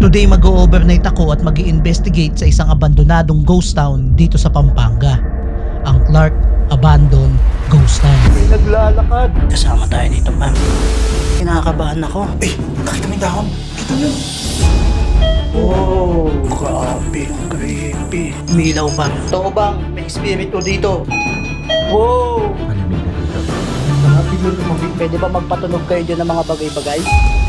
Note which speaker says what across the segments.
Speaker 1: Today mag-overnight ako at mag-i-investigate sa isang abandonadong ghost town dito sa Pampanga. Ang Clark Abandoned Ghost Town.
Speaker 2: May naglalakad.
Speaker 1: Kasama tayo dito, ma'am. Kinakabahan ako.
Speaker 2: Eh, nakita mo yung dahon. Kita mo yun.
Speaker 1: Oh, grabe. Creepy. Umilaw ba? Totoo bang may espiritu dito? Wow!
Speaker 2: Malamig na dito.
Speaker 1: Pwede ba magpatunog kayo dyan ng mga bagay-bagay?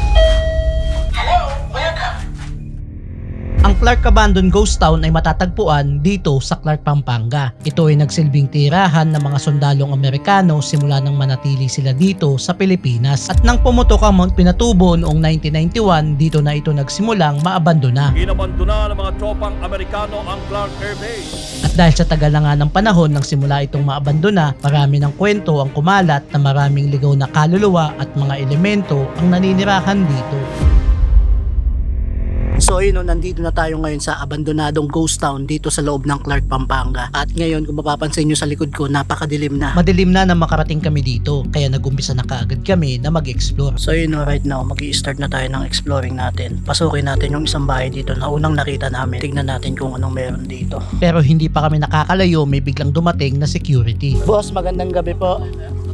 Speaker 1: Ang Clark Abandoned Ghost Town ay matatagpuan dito sa Clark, Pampanga. Ito ay nagsilbing tirahan ng mga sundalong Amerikano simula nang manatili sila dito sa Pilipinas. At nang pumutok ang Mount Pinatubo noong 1991, dito na ito nagsimulang maabandona.
Speaker 3: Inabandona ng mga tropang Amerikano ang Clark Air Base.
Speaker 1: At dahil sa tagal na nga ng panahon nang simula itong maabandona, marami ng kwento ang kumalat na maraming ligaw na kaluluwa at mga elemento ang naninirahan dito. So ayun, nandito na tayo ngayon sa abandonadong ghost town dito sa loob ng Clark, Pampanga. At ngayon, kung mapapansin nyo sa likod ko, napakadilim na. Madilim na makarating kami dito, kaya nag-umpisa na kaagad kami na mag-explore. So ayun, right now, mag-i-start na tayo ng exploring natin. Pasukin natin yung isang bahay dito na unang nakita namin. Tignan natin kung anong meron dito. Pero hindi pa kami nakakalayo, may biglang dumating na security. Boss, magandang gabi po.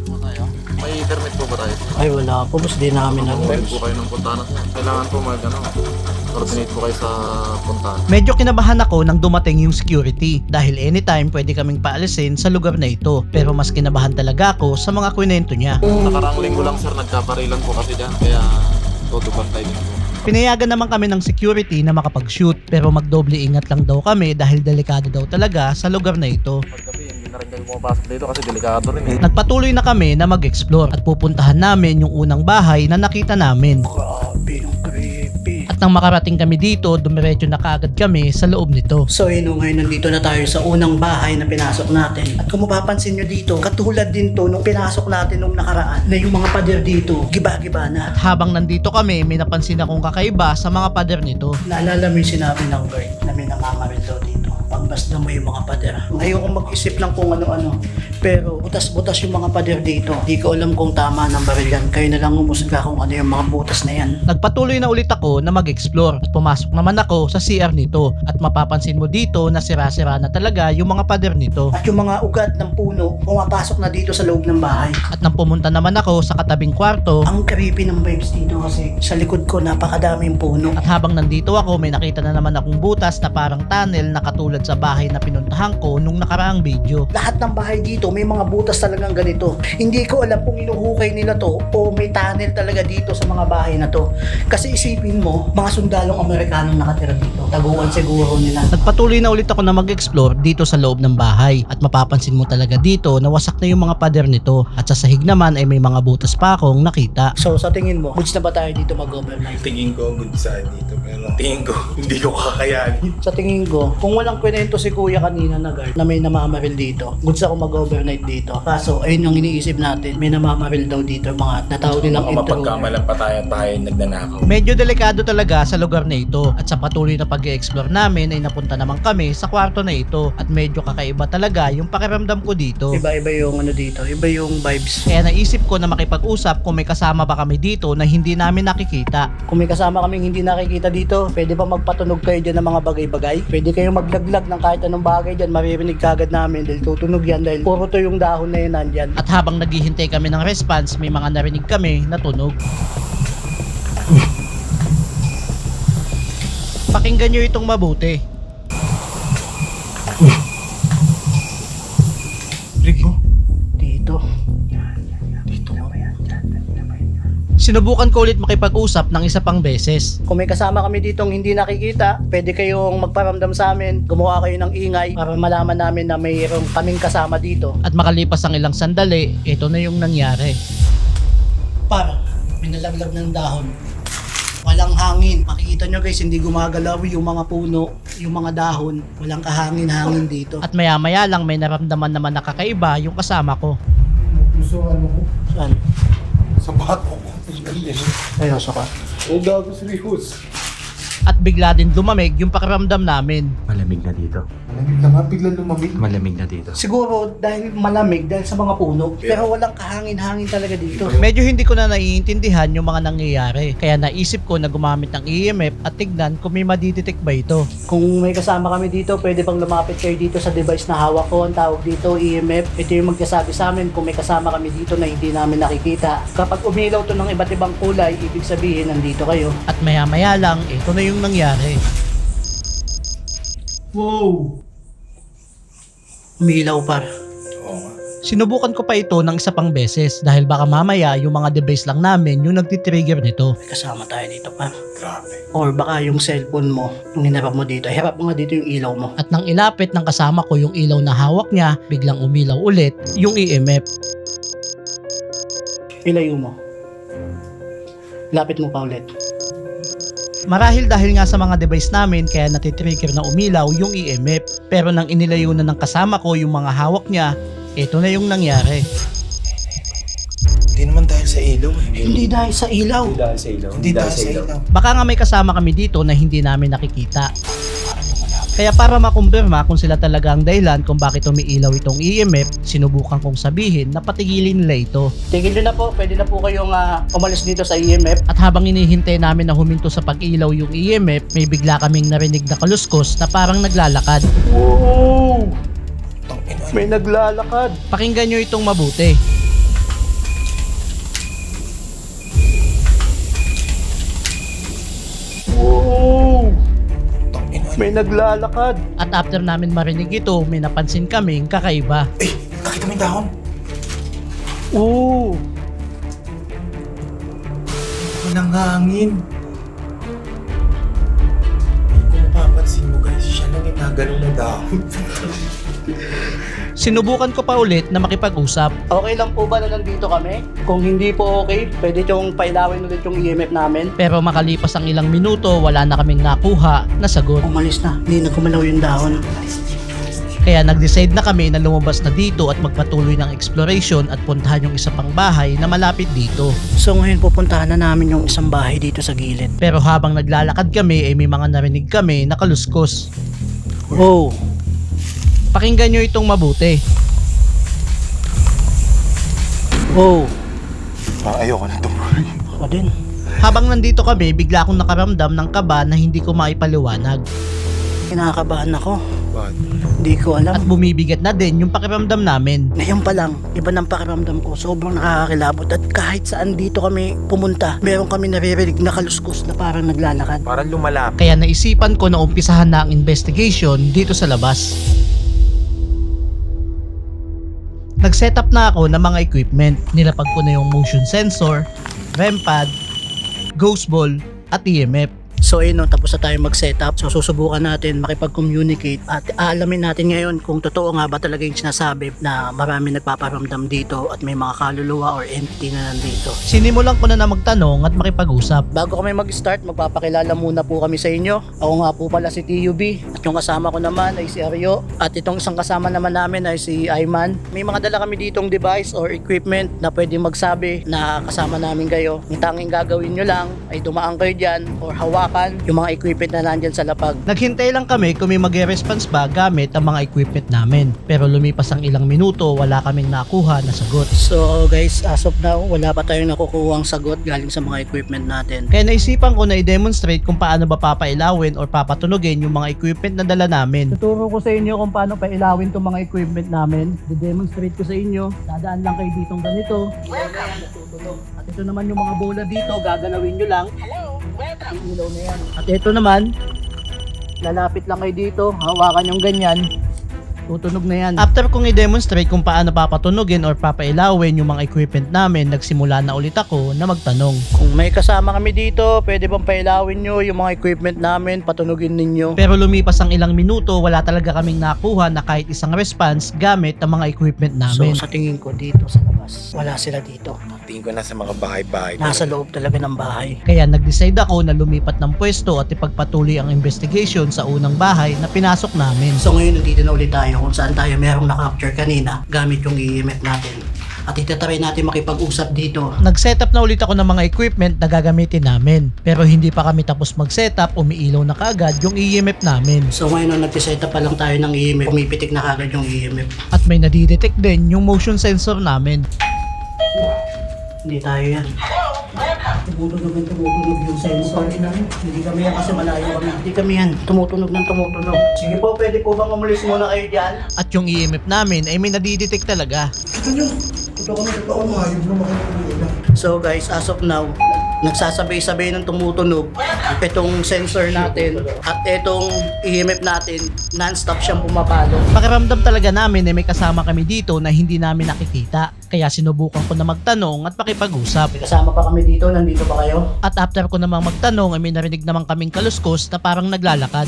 Speaker 4: May permit po ba tayo?
Speaker 1: Ay, wala po. Boss, di namin
Speaker 4: Pwede po kayo ng puntahan. Kailangan po coordinate po kayo sa puntahan.
Speaker 1: Medyo kinabahan ako nang dumating yung security dahil anytime pwede kaming paalisin sa lugar na ito. Pero mas kinabahan talaga ako sa mga kwento niya.
Speaker 4: Nakarang linggo lang sir, nagkaparilan po kasi dyan. Kaya tutubantay din po.
Speaker 1: Pinayagan naman kami ng security na makapag-shoot pero magdoble ingat lang daw kami dahil delikado daw talaga sa lugar na ito.
Speaker 4: Paggabi, hindi na rin kayo pumapasok dito kasi delikado rin eh.
Speaker 1: Nagpatuloy na kami na mag-explore at pupuntahan namin yung unang bahay na nakita namin.
Speaker 2: Grabe, ang creepy.
Speaker 1: At nang makarating kami dito, dumiretso na kaagad kami sa loob nito. So ngayon nandito na tayo sa unang bahay na pinasok natin. At kung mapapansin nyo dito, katulad din to nung pinasok natin nung nakaraan na yung mga pader dito, giba-giba na. At habang nandito kami, may napansin akong kakaiba sa mga pader nito. Naalala mo yung sinabi ng guard na may nangangaril daw dito. Pagbasda mo yung mga pader. Ayokong mag-isip lang kung ano-ano. Pero butas-butas yung mga pader dito. Di ko alam kung tama ng baril yan. Kayo na lang umusga kung ano yung mga butas na yan. Nagpatuloy na ulit ako na mag-explore at pumasok naman ako sa CR nito. At mapapansin mo dito na sira-sira na talaga yung mga pader nito. At yung mga ugat ng puno pumapasok na dito sa loob ng bahay. At nang pumunta naman ako sa katabing kwarto, ang creepy ng vibes dito kasi sa likod ko napakadaming puno. At habang nandito ako, may nakita na naman akong butas na parang tunnel na katulad sa bahay na pinuntahan ko nung nakaraang video. Lahat ng bahay dito may mga butas talagang ganito. Hindi ko alam kung inuhukay nila to o may tunnel talaga dito sa mga bahay na to. Kasi isipin mo, mga sundalong Amerikanong nakatira dito. Taguan siguro nila. Nagpatuloy na ulit ako na mag-explore dito sa loob ng bahay. At mapapansin mo talaga dito na wasak na yung mga pader nito. At sa sahig naman ay may mga butas pa akong nakita. So sa tingin mo, goods na ba tayo dito mag-overnight?
Speaker 2: Tingin ko good side dito. Pero tingin ko, hindi ko kakayanin.
Speaker 1: Sa tingin ko, kung walang kwento si kuya kanina na guard na may namamaril dito, goods ako mag-overnight dito. Kaso, ayun yung iniisip natin, may namamaril daw dito, mga natawag nilang
Speaker 2: Baka
Speaker 1: intruder.
Speaker 2: mapagkamalan pa tayo nagnanakaw.
Speaker 1: Medyo delikado talaga sa lugar na ito at sa patuloy na pag-explore namin ay napunta naman kami sa kwarto na ito at medyo kakaiba talaga yung pakiramdam ko dito. Iba-iba yung ano dito, iba yung vibes. Kaya naisip ko na makipag-usap kung may kasama ba kami dito na hindi namin nakikita. Kung may kasama kaming hindi nakikita dito, pwede ba magpatunog kayo dyan ng mga bagay-bagay? Pwede kayong maglaglag ng kahit anong bagay dyan, maririnig kagad namin dahil tutunog yan dahil puro to yung dahon na yun nandyan. At habang naghihintay kami ng response, may mga narinig kami na tunog. Pakinggan nyo itong mabuti.
Speaker 2: Rigo.
Speaker 1: Dito.
Speaker 2: Dito.
Speaker 1: Sinubukan ko ulit makipag-usap ng isa pang beses. Kung may kasama kami ditong hindi nakikita, pwede kayong magparamdam sa amin, gumawa kayo ng ingay para malaman namin na mayroong kaming kasama dito. At makalipas ang ilang sandali, ito na yung nangyari. Parang may nalaglag ng dahon. Walang hangin. Makikita nyo guys, hindi gumagalaw yung mga puno, yung mga dahon. Walang kahangin-hangin dito. At maya-maya lang may naramdaman naman na kakaiba yung kasama ko.
Speaker 2: Puso ano ko?
Speaker 1: Saan?
Speaker 2: Sa bato ko.
Speaker 1: Seryoso ka?
Speaker 2: O gago serious.
Speaker 1: at bigla din lumamig yung pakiramdam namin.
Speaker 4: Malamig na dito.
Speaker 2: Malamig na nga, biglang lumamig.
Speaker 4: Malamig na dito.
Speaker 1: Siguro dahil malamig dahil sa mga puno, pero walang kahangin-hangin talaga dito. Medyo hindi ko na naiintindihan yung mga nangyayari, kaya naisip ko na gumamit ng EMF at tignan kung may madidetect ba ito. Kung may kasama kami dito, pwede bang lumapit kayo dito sa device na hawak ko, ang tawag dito EMF. Ito yung magsasabi sa amin kung may kasama kami dito na hindi namin nakikita. Kapag umilaw to ng iba't ibang kulay, ibig sabihin nandito kayo. At maya-maya lang, ito na yung nangyari. Wow! Umilaw par.
Speaker 2: Oo nga.
Speaker 1: Sinubukan ko pa ito ng isa pang beses dahil baka mamaya yung mga device lang namin yung nagtitrigger nito. Kasama tayo dito pa.
Speaker 2: Grabe.
Speaker 1: Or baka yung cellphone mo, yung hinarap mo dito, harap mo nga dito yung ilaw mo. At nang ilapit ng kasama ko yung ilaw na hawak niya, biglang umilaw ulit yung EMF. Ilayo mo. Lapit mo pa ulit. Marahil dahil nga sa mga device namin kaya natitrigger na umilaw yung EMF. Pero nang inilayo na ng kasama ko yung mga hawak niya, ito na yung nangyari.
Speaker 2: Hindi naman dahil sa ilaw eh.
Speaker 1: Hindi dahil sa ilaw.
Speaker 2: Hindi dahil sa ilaw.
Speaker 1: Baka nga may kasama kami dito na hindi namin nakikita. Kaya para makumpirma kung sila talaga ang dahilan kung bakit umiilaw itong EMF, sinubukan kong sabihin na patigilin nila ito. Tigil nyo na po, pwede na po kayong umalis dito sa EMF. At habang inihintay namin na huminto sa pag-ilaw yung EMF, may bigla kaming narinig na kaluskos na parang naglalakad. Wow! May naglalakad. Pakinggan nyo itong mabuti. Wow! May naglalakad. At after namin marinig ito, may napansin kaming kakaiba.
Speaker 2: Eh, nakita mo yung dahon?
Speaker 1: Oo.
Speaker 2: Walang hangin. Kung mapapansin mo guys, siya lang yung nagano na dahon.
Speaker 1: Sinubukan ko pa ulit na makipag-usap. Okay lang po ba na nandito kami? Kung hindi po okay, pwede yung pailawin ulit yung EMF namin. Pero makalipas ang ilang minuto, wala na kaming nakuha na sagot. Umalis na, hindi na kumalaw yung dahon. Kaya nag-decide na kami na lumabas na dito at magpatuloy ng exploration at puntahan yung isa pang bahay na malapit dito. So ngayon pupuntahan na namin yung isang bahay dito sa gilid. Pero habang naglalakad kami ay may mga narinig kami na kaluskos. Wow! Pakinggan nyo itong mabuti. Wow!
Speaker 2: Parang ayoko na tumuloy.
Speaker 1: Ako din. Habang nandito kami, bigla akong nakaramdam ng kaba na hindi ko maipaliwanag. Kinakabahan ako.
Speaker 2: Bakit?
Speaker 1: Hindi ko alam. At bumibigat na din yung pakiramdam namin. Ngayon pa lang, iba ng pakiramdam ko. Sobrang nakakakilabot at kahit saan dito kami pumunta, meron kami naririnig na kaluskos na parang naglalakad.
Speaker 2: Parang lumalapit.
Speaker 1: Kaya naisipan ko na umpisahan na ang investigation dito sa labas. Nag-setup na ako ng mga equipment. Nilapag ko na yung motion sensor, REM pad, ghost ball, at EMF. So ayun, tapos na tayo mag-setup. So susubukan natin makipag-communicate at aalamin natin ngayon kung totoo nga ba talaga yung sinasabi na marami nagpaparamdam dito at may mga kaluluwa or entity na nandito. Sinimulan ko na magtanong at makipag-usap. Bago kami mag-start, magpapakilala muna po kami sa inyo. Ako nga po pala si TUB at yung kasama ko naman ay si Aryo at itong isang kasama naman namin ay si Ayman. May mga dala kami ditong device or equipment na pwede magsabi na kasama namin kayo. Ang tanging gagawin nyo lang ay dumaan kayo dyan or hawakan yung mga equipment na nandyan sa lapag. Naghintay lang kami kung may mag-response ba gamit ang mga equipment namin. Pero lumipas ang ilang minuto, wala kaming nakuha na sagot. So guys, as of now, wala pa tayong nakukuha ang sagot galing sa mga equipment natin. Kaya naisipan ko na i-demonstrate kung paano ba papailawin or papatunogin yung mga equipment na dala namin. Tuturo ko sa inyo kung paano pailawin itong mga equipment namin. I-demonstrate ko sa inyo. Dadaan lang kayo ditong ganito. At ito naman yung mga bola dito, gagalawin nyo lang. Yung ilaw na yan. At ito naman, lalapit lang kayo dito, hawakan yung ganyan, tutunog na yan. After kong i-demonstrate kung paano papatunogin or papailawin yung mga equipment namin, nagsimula na ulit ako na magtanong. Kung may kasama kami dito, pwede bang pailawin nyo yung mga equipment namin, patunogin ninyo? Pero lumipas ang ilang minuto, wala talaga kaming nakuha na kahit isang response gamit ang mga equipment namin. So sa tingin ko dito sa labas, wala sila dito.
Speaker 2: Tingin ko nasa mga bahay-bahay.
Speaker 1: Nasa loob talaga ng bahay. Kaya nag-decide ako na lumipat ng pwesto at ipagpatuloy ang investigation sa unang bahay na pinasok namin. So ngayon nandito na ulit tayo kung saan tayo merong na-capture kanina gamit yung EMF natin. at itatry natin makipag-usap dito.
Speaker 5: Nag-setup na ulit ako ng mga equipment na gagamitin namin. Pero hindi pa kami tapos mag-setup, umiilaw na kaagad yung EMF namin.
Speaker 1: So ngayon nung nag-setup pa lang tayo ng EMF, pumipitik na kagad yung EMF.
Speaker 5: At may nadidetect din yung motion sensor namin.
Speaker 1: Hindi tayo yan. Tumutunog yung sensor. Hindi kami yan kasi malayo kami. Hindi kami yan. Tumutunog. Sige po, pwede po bang umulis muna kayo dyan?
Speaker 5: At yung EMF namin ay may nadidetect talaga.
Speaker 1: So guys, as of now, nagsasabay-sabay ng tumutunog itong sensor natin at itong EMF natin, non-stop siyang pumapalo.
Speaker 5: Pakiramdam talaga namin ay may kasama kami dito na hindi namin nakikita. Kaya sinubukan ko na magtanong at makipag-usap.
Speaker 1: May kasama pa kami dito, nandito pa kayo?
Speaker 5: At after ko namang magtanong ay may narinig naman kaming kaluskos na parang naglalakad.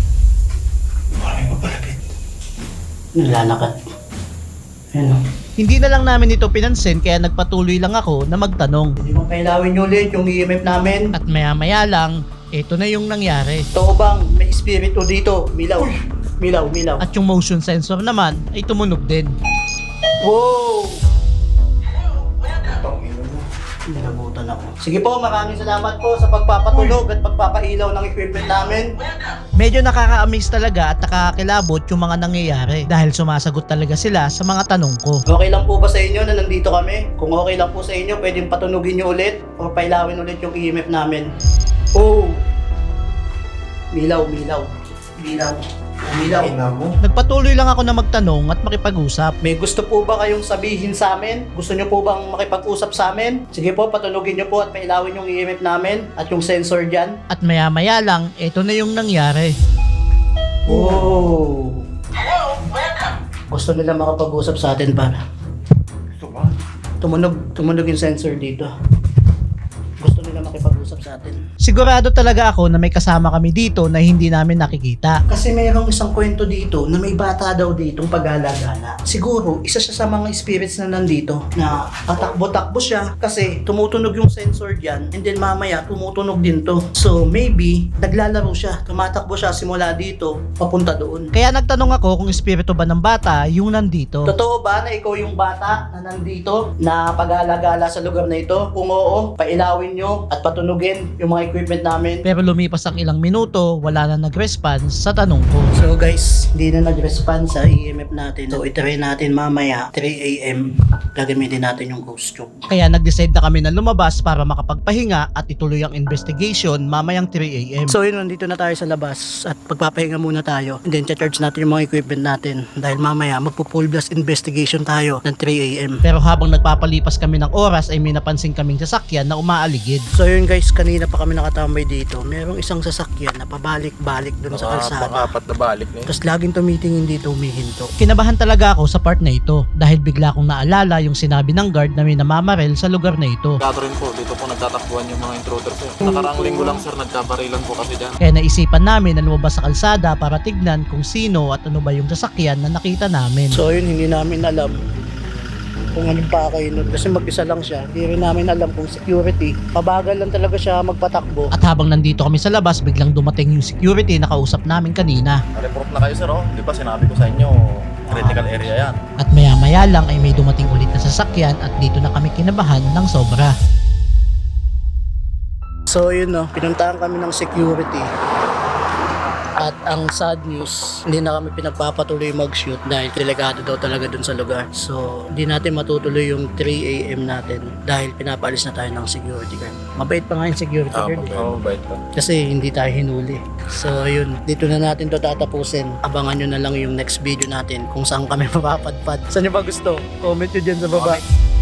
Speaker 1: Naglalakad. Ayan o.
Speaker 5: Hindi na lang namin ito pinansin kaya nagpatuloy lang ako na magtanong.
Speaker 1: Hindi mo pailawin nyo ulit yung EMF namin.
Speaker 5: At maya-maya lang, ito na yung nangyari.
Speaker 1: Totoo bang may espiritu dito? Milaw. Milaw.
Speaker 5: At yung motion sensor naman ay tumunog din.
Speaker 1: Wow! Nilabutan ako. Sige po, maraming salamat po sa pagpapatulog at pagpapailaw ng equipment namin.
Speaker 5: Medyo nakaka-amaze talaga at nakakakilabot yung mga nangyayari dahil sumasagot talaga sila sa mga tanong ko.
Speaker 1: Okay lang po ba sa inyo na nandito kami? Kung okay lang po sa inyo, pwedeng patunugin nyo ulit o pailawin ulit yung EMF namin. Oh! Milaw.
Speaker 5: Nagpatuloy lang ako na magtanong at makipag-usap.
Speaker 1: May gusto po ba kayong sabihin sa amin? Gusto nyo po bang makipag-usap sa amin? Sige po, patunugin nyo po at pailawin yung EMF namin at yung sensor dyan.
Speaker 5: At maya-maya lang, ito na yung nangyari.
Speaker 1: Oh! Gusto nila makapag-usap sa atin para. Tumunog yung sensor dito. Gusto nila makipag-usap sa atin.
Speaker 5: Sigurado talaga ako na may kasama kami dito na hindi namin nakikita.
Speaker 1: Kasi mayroong isang kwento dito na may bata daw ditong pag-alagala. Siguro, isa siya sa mga spirits na nandito na patakbo-takbo siya kasi tumutunog yung sensor dyan and then mamaya tumutunog din to. So maybe, naglalaro siya. Tumatakbo siya simula dito, papunta doon.
Speaker 5: Kaya nagtanong ako kung espiritu ba ng bata yung nandito.
Speaker 1: Totoo ba na ikaw yung bata na nandito na pag-alagala sa lugar na ito? Kung oo, pailawin nyo at patunugin yung mga equipment namin.
Speaker 5: Pero lumipas ang ilang minuto, wala na nag-response sa tanong ko.
Speaker 1: So guys, hindi na nag-response sa EMF natin. So itry natin mamaya 3 AM. Gagamitin natin yung ghost tube.
Speaker 5: Kaya nag-decide na kami na lumabas para makapagpahinga at ituloy ang investigation mamayang 3 AM.
Speaker 1: So yun, nandito na tayo sa labas at pagpapahinga muna tayo. And then charge natin yung mga equipment natin dahil mamaya magpo-full blast investigation tayo ng 3 AM.
Speaker 5: Pero habang nagpapalipas kami ng oras ay may napansin kaming sasakyan na umaaligid.
Speaker 1: So yun guys, kanina pa kami nakatambay dito. Merong isang sasakyan na pabalik-balik dun sa kalsada.
Speaker 2: Pang-apat na balik na yun.
Speaker 1: Tapos laging tumitingin dito, humihinto.
Speaker 5: Kinabahan talaga ako sa part na ito dahil bigla kong naalala yung sinabi ng guard na may namamarel sa lugar na ito.
Speaker 4: Gato rin po, dito po nagtatakbuhan yung mga intruders eh. Nakaraang linggo lang sir, nagkabarilan po kasi dyan.
Speaker 5: Kaya naisipan namin na lumabas sa kalsada para tignan kung sino at ano ba yung sasakyan na nakita namin.
Speaker 1: So yun, hindi namin alam kung anong pakay nun kasi mag-isa lang siya. Hindi rin namin alam kung security. Pabagal lang talaga siya magpatakbo.
Speaker 5: At habang nandito kami sa labas, biglang dumating yung security na kausap namin kanina.
Speaker 2: Report na kayo sir oh. Di ba sinabi ko sa inyo, critical area yan.
Speaker 5: At maya-maya lang ay may dumating ulit na sasakyan at dito na kami kinabahan ng sobra.
Speaker 1: So yun no, pinuntahan kami ng security. At ang sad news, hindi na kami pinagpapatuloy mag-shoot dahil delikado daw talaga dun sa lugar. So, hindi natin matutuloy yung 3 AM natin dahil pinapalis na tayo ng security guard. Mabait pa nga yung security guard eh.
Speaker 2: Oo, bait pa.
Speaker 1: Kasi hindi tayo hinuli. So, yun. Dito na natin to tatapusin. Abangan nyo na lang yung next video natin kung saan kami mapapadpad. Saan nyo ba gusto? Comment nyo dyan sa baba.